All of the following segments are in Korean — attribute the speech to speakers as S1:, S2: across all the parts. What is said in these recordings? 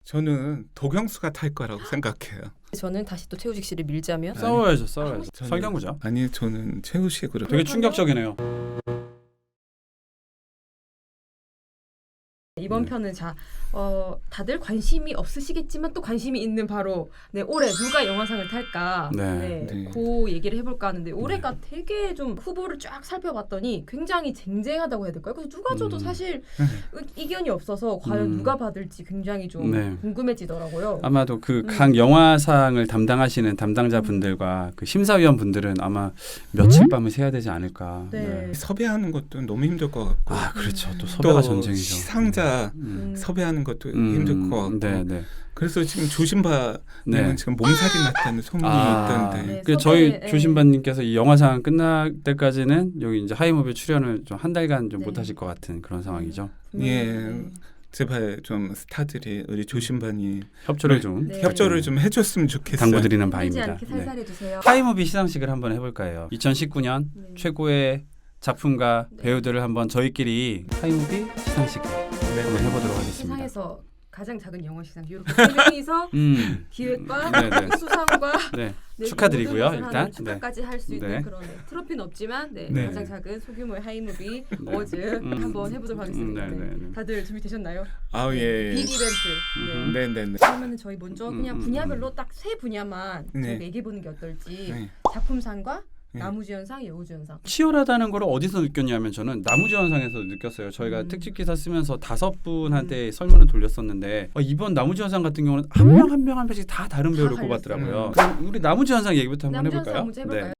S1: 저는 도경수가 탈 거라고 생각해요.
S2: 저는 다시 또 최우식 씨를 밀자면
S3: 싸워야죠.
S1: 저는-
S3: 설경구죠.
S1: 아니 저는 최우식으로.
S3: 되게 충격적이네요.
S2: 이번 편은 다들 관심이 없으시겠지만 또 관심이 있는 바로 올해 누가 영화상을 탈까
S3: 네.
S2: 그 얘기를 해볼까 하는데 올해가 되게 좀 후보를 쫙 살펴봤더니 굉장히 쟁쟁하다고 해야 될까요? 그래서 누가 줘도 사실 이견이 없어서 과연 누가 받을지 굉장히 좀 궁금해지더라고요.
S3: 아마도 그 각 영화상을 담당하시는 담당자분들과 그 심사위원분들은 아마 며칠 밤을 새야 되지 않을까.
S2: 네.
S1: 섭외하는 것도 너무 힘들 것 같고.
S3: 아 그렇죠. 또 섭외가
S1: 또
S3: 전쟁이죠.
S1: 시상자 섭외하는 것도 힘들 것 같고.
S3: 네.
S1: 그래서 지금 조심바님은
S3: 네.
S1: 지금 몸살이 났다는 소문이 있던데.
S2: 네.
S3: 그 저희
S2: 섭외,
S3: 조신반님께서 이 영화상 끝날 때까지는 여기 이제 하이무비 출연을 좀 한 달간 좀
S2: 네.
S3: 못하실 것 같은 그런 상황이죠.
S1: 예. 제발 좀 스타들이 우리 조신반이
S3: 협조를 좀
S2: 네.
S1: 협조를 좀 해줬으면 좋겠어요.
S3: 당부드리는
S2: 힘들지
S3: 바입니다.
S2: 않게 살살
S3: 네.
S2: 해주세요.
S3: 하이무비 시상식을 한번 해볼까 해요. 2019년
S2: 네.
S3: 최고의 작품과
S2: 네.
S3: 배우들을 한번 저희끼리 하이무비 시상식 한번 해보도록 하겠습니다.
S2: 세상에서 가장 작은 영화 시상 이렇게 세 명이서 기획과
S3: 네네.
S2: 수상과
S3: 네.
S2: 네,
S3: 축하드리고요,
S2: 모든 것을
S3: 일단.
S2: 하는 축하까지 할 수 있는
S3: 네.
S2: 그런 트로피는 없지만
S1: 네.
S2: 가장 작은 소규모의 하이무비
S3: 네.
S2: 어워즈 한번 해보도록 하겠습니다.
S3: 네.
S2: 다들 준비되셨나요?
S1: 아우 예.
S2: 빅 이벤트.
S1: 네네네.
S2: 그러면 저희 먼저 그냥 분야별로 딱 세 분야만
S1: 네.
S2: 저희가 얘기해보는 게 어떨지.
S1: 네.
S2: 작품상과
S1: 네.
S2: 나무주연상, 여우주연상.
S3: 치열하다는 걸 어디서 느꼈냐면 저는 나무주연상에서 느꼈어요. 저희가 특집 기사 쓰면서 5분한테 설문을 돌렸었는데 이번 나무주연상 같은 경우는 한 명 한 명씩 다 다른 배우를
S2: 다
S3: 꼽았더라고요. 그럼 우리 나무주연상 얘기부터 한번
S2: 나무주연상
S3: 해볼까요?
S2: 먼저 해볼까요?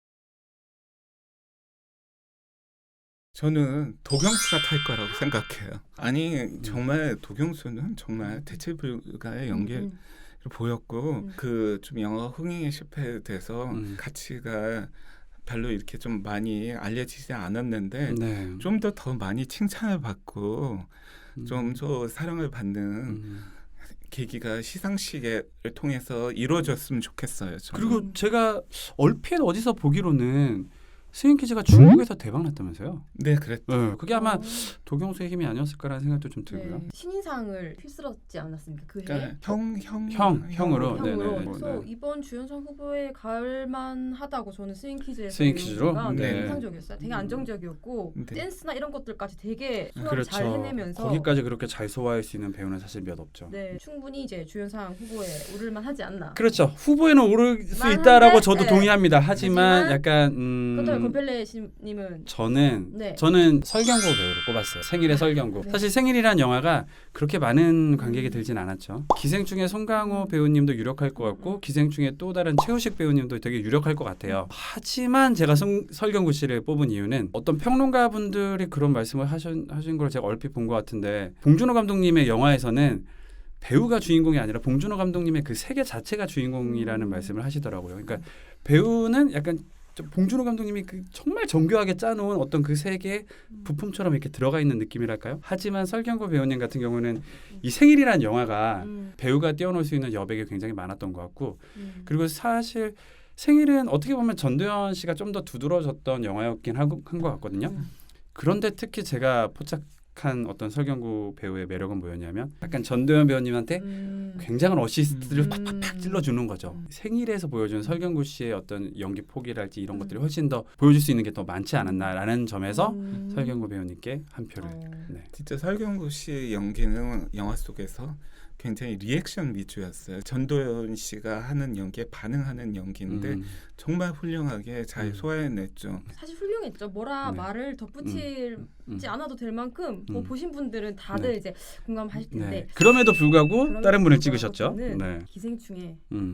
S1: 저는 도경수가 탈 거라고 생각해요. 아니 정말 도경수는 정말 대체 불가의 연기를 보였고 그 좀 영화 흥행에 실패돼서 가치가 별로 이렇게 좀 많이 알려지지 않았는데
S3: 네.
S1: 좀 더 많이 칭찬을 받고 좀 더 사랑을 받는 계기가 시상식을 통해서 이루어졌으면 좋겠어요. 저는.
S3: 그리고 제가 얼핏 어디서 보기로는 스윙키즈가 중국에서 대박 났다면서요?
S1: 네, 그랬죠.
S3: 네, 그게 아마 도경수의 힘이 아니었을까라는 생각도 좀 들고요.
S2: 네. 신인상을 휩쓸었지 않았습니까? 그 해.
S1: 그러니까 형으로.
S3: 형으로.
S2: 형으로.
S3: 네네.
S2: 그래서
S3: 네.
S2: 이번 주연상 후보에 가을만하다고 저는 스윙키즈에서
S3: 스윙키즈로?
S2: 되게
S3: 네.
S2: 인상적이었어요. 되게 안정적이었고
S1: 네.
S2: 댄스나 이런 것들까지 되게 소화를
S3: 그렇죠.
S2: 잘 해내면서
S3: 거기까지 그렇게 잘 소화할 수 있는 배우는 사실 몇 없죠.
S2: 네, 충분히 이제 주연상 후보에 오를만 하지 않나.
S3: 그렇죠. 후보에는 오를 수
S2: 만한데,
S3: 있다라고 저도
S2: 네.
S3: 동의합니다. 하지만
S2: 하지만
S3: 약간
S2: 그렇다면 권펠레님은
S3: 저는
S2: 네.
S3: 설경구 배우를 꼽았어요. 생일의 설경구.
S2: 네.
S3: 사실 생일이란 영화가 그렇게 많은 관객이 들진 않았죠. 기생충의 송강호 배우님도 유력할 것 같고 기생충의 또 다른 최우식 배우님도 되게 유력할 것 같아요. 하지만 제가 설경구 씨를 뽑은 이유는 어떤 평론가분들이 그런 말씀을 하신 걸 제가 얼핏 본 것 같은데 봉준호 감독님의 영화에서는 배우가 주인공이 아니라 봉준호 감독님의 그 세계 자체가 주인공이라는 말씀을 하시더라고요. 그러니까 배우는 약간 봉준호 감독님이 그 정말 정교하게 짜놓은 어떤 그 세계 부품처럼 이렇게 들어가 있는 느낌이랄까요? 하지만 설경구 배우님 같은 경우는 이 생일이란 영화가 배우가 뛰어놀 수 있는 여백이 굉장히 많았던 것 같고 그리고 사실 생일은 어떻게 보면 전도연 씨가 좀 더 두드러졌던 영화였긴 한 것 같거든요. 그런데 특히 제가 포착한 어떤 설경구 배우의 매력은 뭐였냐면 약간 전도연 배우님한테 굉장한 어시스트를 팍팍팍 찔러주는 거죠. 생일에서 보여준 설경구 씨의 어떤 연기 폭이랄지 이런 것들이 훨씬 더 보여줄 수 있는 게 더 많지 않았나라는 점에서 설경구 배우님께 한 표를. 네.
S1: 진짜 설경구 씨 연기는 영화 속에서 굉장히 리액션 위주였어요. 전도연 씨가 하는 연기에 반응하는 연기인데 정말 훌륭하게 잘 소화해냈죠.
S2: 사실 훌륭했죠. 뭐라
S3: 네.
S2: 말을 덧붙이지 않아도 될 만큼 뭐 보신 분들은 다들
S3: 네.
S2: 이제 공감하실 텐데
S3: 네. 그럼에도 불구하고
S2: 그럼에도
S3: 다른 분을
S2: 불구하고
S3: 찍으셨죠.
S2: 저는
S3: 네.
S2: 기생충의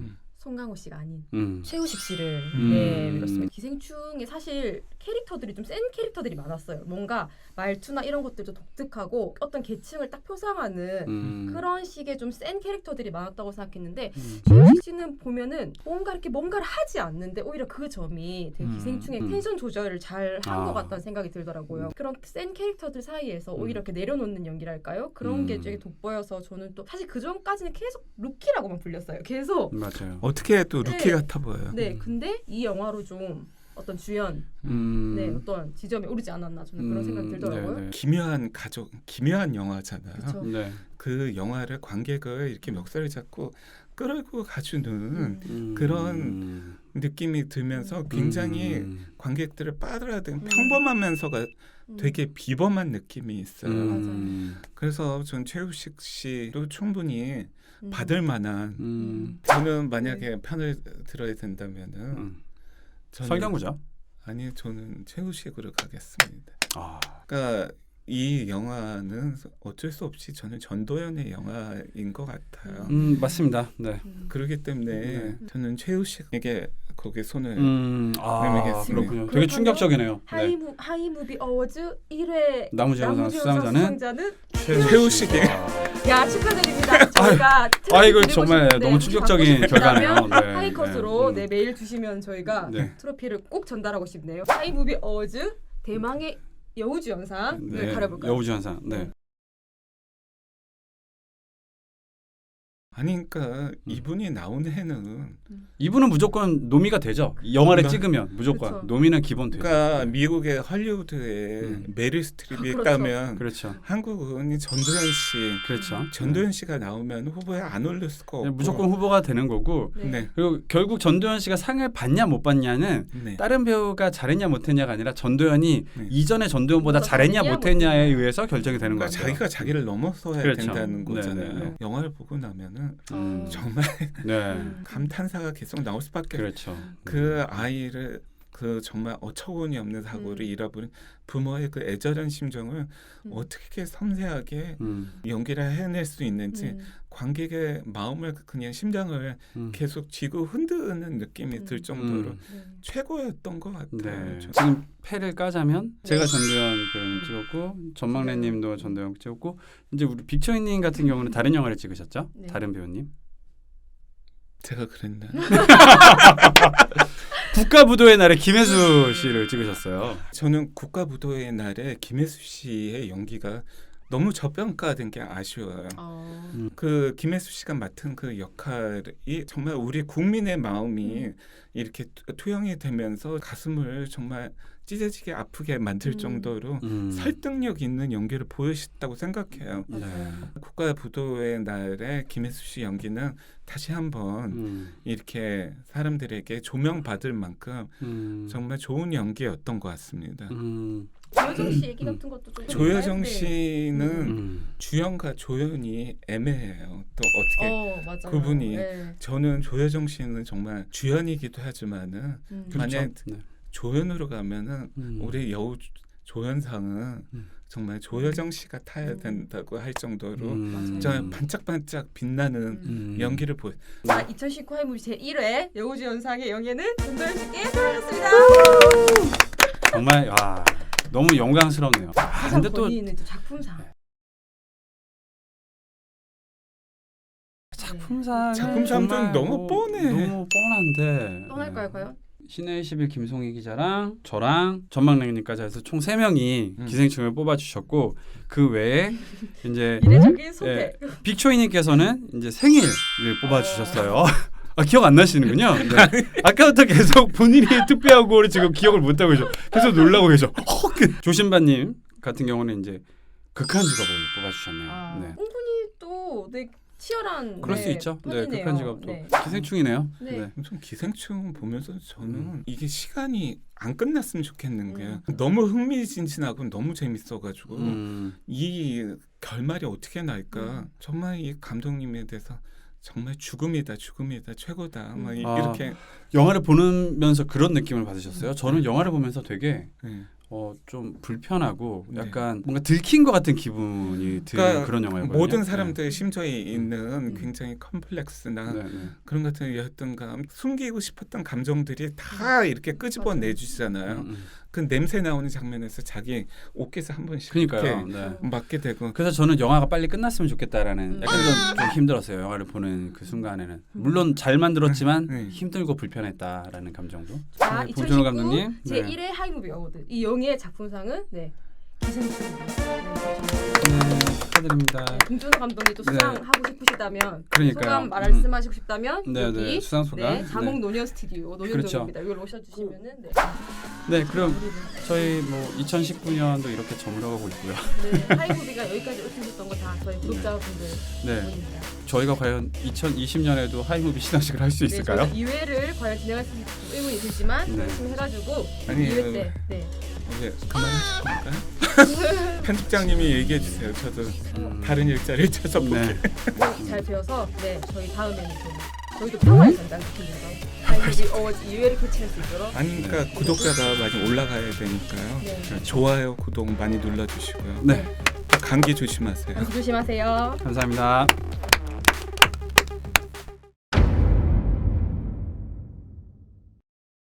S2: 송강호 씨가 아닌 최우식 씨를 밀었습니다. 기생충에 사실 캐릭터들이 좀 센 캐릭터들이 많았어요. 뭔가 말투나 이런 것들도 독특하고 어떤 계층을 딱 표상하는 그런 식의 좀 센 캐릭터들이 많았다고 생각했는데 최우식 씨는 보면은 뭔가를 하지 않는데 오히려 그 점이 되게 기생충의 텐션 조절을 잘 한 것 같다는 생각이 들더라고요. 그런 센 캐릭터들 사이에서 오히려 이렇게 내려놓는 연기랄까요? 그런 게 되게 돋보여서 저는 또 사실 그 전까지는 계속 루키라고만 불렸어요. 계속
S3: 맞아요.
S1: 어떻게 또 루키
S2: 네.
S1: 같아 보여요.
S2: 네, 근데 이 영화로 좀 어떤 주연 네, 어떤 지점에 오르지 않았나 저는 그런 생각이 들더라고요.
S3: 네네.
S1: 기묘한 가족, 기묘한 영화잖아요.
S2: 그쵸.
S3: 네.
S1: 그 영화를 관객을 이렇게 멱살을 잡고 끌고 가주는 그런 느낌이 들면서 굉장히 관객들을 빨아들이는 평범하면서가 되게 비범한 느낌이 있어요. 그래서 전 최우식 씨도 충분히 받을 만한 저는 만약에 편을 들어야 된다면은 저는
S3: 설경구죠.
S1: 아니 저는 최우식으로 가겠습니다. 그러니까 이 영화는 어쩔 수 없이 저는 전도연의 영화인 것 같아요.
S3: 맞습니다. 네.
S1: 그렇기 때문에 저는 최우식에게 거기에 손을
S3: 그렇군요. 되게 충격적이네요.
S2: 하이무비 어워즈 1회
S3: 나무주연상 수상자는
S1: 최우식이.
S2: 야 축하드립니다. 저희가
S3: 이거 정말 너무 충격적인 결과네요.
S2: 하이컷으로 메일 주시면 저희가 트로피를 꼭 전달하고 싶네요. 하이무비 어워즈 대망의 여우주연상을 가려볼까요?
S3: 여우주연상. 네.
S1: 아니 그러니까 이분이 나온 해는
S3: 이분은 무조건 노미가 되죠. 영화를 찍으면 무조건
S2: 그렇죠.
S3: 노미는 기본 되죠.
S1: 그러니까 미국의 헐리우드에 메릴 스트립이 있다면
S3: 그렇죠.
S1: 한국은 전도연 씨.
S3: 그렇죠.
S1: 전도연 씨가 나오면 후보에 안 올릴 수가 없고
S3: 무조건 후보가 되는 거고.
S1: 네.
S3: 그리고 결국 전도연 씨가 상을 받냐 못 받냐는 다른 배우가 잘했냐 못했냐가 아니라 전도연이 이전에 전도연보다 잘했냐 못했냐에 의해서 결정이 되는 거죠.
S1: 자기가 자기를 넘어서야 된다는 거잖아요.
S3: 네네.
S1: 영화를 보고 나면은 정말 감탄사가 계속 나올 수밖에.
S3: 그렇죠.
S1: 그 아이를 그 정말 어처구니 없는 사고를 잃어버린 부모의 그 애절한 심정을 어떻게 섬세하게 연기를 해낼 수 있는지 관객의 마음을 그냥 심장을 계속 쥐고 흔드는 느낌이 들 정도로 최고였던 것 같아요.
S3: 지금 패를 까자면 제가 전도연 배우님 찍었고 전망래님도 전도연 찍었고 이제 우리 빅초이님 같은 경우는 다른 영화를 찍으셨죠? 다른 배우님.
S1: 제가 그랬나?
S3: 국가부도의 날에 김혜수 씨를 찍으셨어요.
S1: 저는 국가부도의 날에 김혜수 씨의 연기가 너무 저평가된 게 아쉬워요. 그 김혜수 씨가 맡은 그 역할이 정말 우리 국민의 마음이 이렇게 투영이 되면서 가슴을 정말 찢어지게 아프게 만들 정도로 설득력 있는 연기를 보여주셨다고 생각해요. 국가부도의 날에 김혜수 씨 연기는 다시 한번 이렇게 사람들에게 조명받을 만큼 정말 좋은 연기였던 것 같습니다.
S2: 조여정 씨 얘기 같은 것도 좀
S1: 조여정 씨는 주연과 조연이 애매해요. 또 어떻게 그분이 저는 조여정 씨는 정말 주연이기도 하지만은 만약 조연으로 가면은 우리 여우 조연상은 정말 조여정 씨가 타야 된다고 할 정도로 정말 반짝반짝 빛나는 연기를 보여.
S2: 자, 2019 하이무비 제1회 여우주연상의 영예는 전도연 씨께 돌아갔습니다.
S3: 정말 너무 영광스럽네요.
S2: 근데 또 작품상.
S3: 작품상 좀
S1: 너무 뻔해.
S3: 너무 뻔한데.
S2: 뻔할까요, 과연?
S3: 신의 11 김송희 기자랑 저랑 전망래님까지 해서 총 3명이 기생충을 뽑아주셨고 그 외에 이제
S2: 이례적인 선택.
S3: 빅초이님께서는 이제 생일을 뽑아주셨어요. 기억 안 나시는군요. 아까부터 계속 본인이 투표하고 지금 기억을 못 하고 계셔. 계속 놀라고 계셔. 조신바님 같은 경우는 이제 극한 직업을 뽑아주셨네요.
S2: 은근히 또 치열한
S3: 그럴 수 있죠. 극한 직업도 기생충이네요.
S1: 좀 기생충 보면서 저는 이게 시간이 안 끝났으면 좋겠는 게 너무 흥미진진하고 너무 재밌어가지고 이 결말이 어떻게 날까 정말 이 감독님에 대해서 정말 죽음이다 최고다 이렇게
S3: 영화를 보면서 그런 느낌을 받으셨어요? 저는 영화를 보면서 되게 좀 불편하고 약간 뭔가 들킨 것 같은 기분이 드는 그런 영화였거든요.
S1: 모든 사람들의 심정에 있는 굉장히 컴플렉스나 그런 같은 여하튼가 숨기고 싶었던 감정들이 다 이렇게 끄집어 내주시잖아요. 그 냄새 나오는 장면에서 자기 옷깃에 한 번씩 이렇게 맞게 되고.
S3: 그래서 저는 영화가 빨리 끝났으면 좋겠다라는 약간 좀 힘들었어요. 영화를 보는 그 순간에는. 물론 잘 만들었지만 힘들고 불편했다라는 감정도.
S2: 자, 2019 제1회 하이무비 어워드 이 영예의 작품상은 기생충.
S3: 네, 축하드립니다.
S2: 김준호 감독님 또 수상하고 싶으시다면
S3: 그러니까요.
S2: 소감 말씀하시고 싶다면
S3: 네,
S2: 여기
S3: 네, 수상 소감.
S2: 자몽 노년 스튜디오
S3: 그렇죠.
S2: 노년동입니다. 이걸 오셔주시면은
S3: 네, 그럼 저희 뭐 2019년도 이렇게 저물어가고 있고요.
S2: 네, 하이무비가 여기까지 오셨던 거 다 저희 구독자분들 덕분입니다.
S3: 저희가 과연 2020년에도 하이무비 시상식을 할 수 있을까요?
S2: 네, 2회를 과연 진행할 수 있을지 의문이 들지만 열심히 해가지고
S1: 아니,
S2: 2회 때
S1: 이제 그만하실 건가요? 편집장님이 얘기해 주세요. 저도 다른 일자리를 찾아볼게요.
S2: 잘 되어서 저희 다음에는 저희도 평화의 전당시키면서 하이무비 어워즈 2회를 개최할 수 있도록
S1: 아니 그러니까 구독자가 많이 올라가야 되니까요.
S2: 네.
S1: 좋아요, 구독 많이 눌러주시고요.
S3: 네.
S1: 감기 조심하세요.
S2: 조심하세요.
S3: 감사합니다.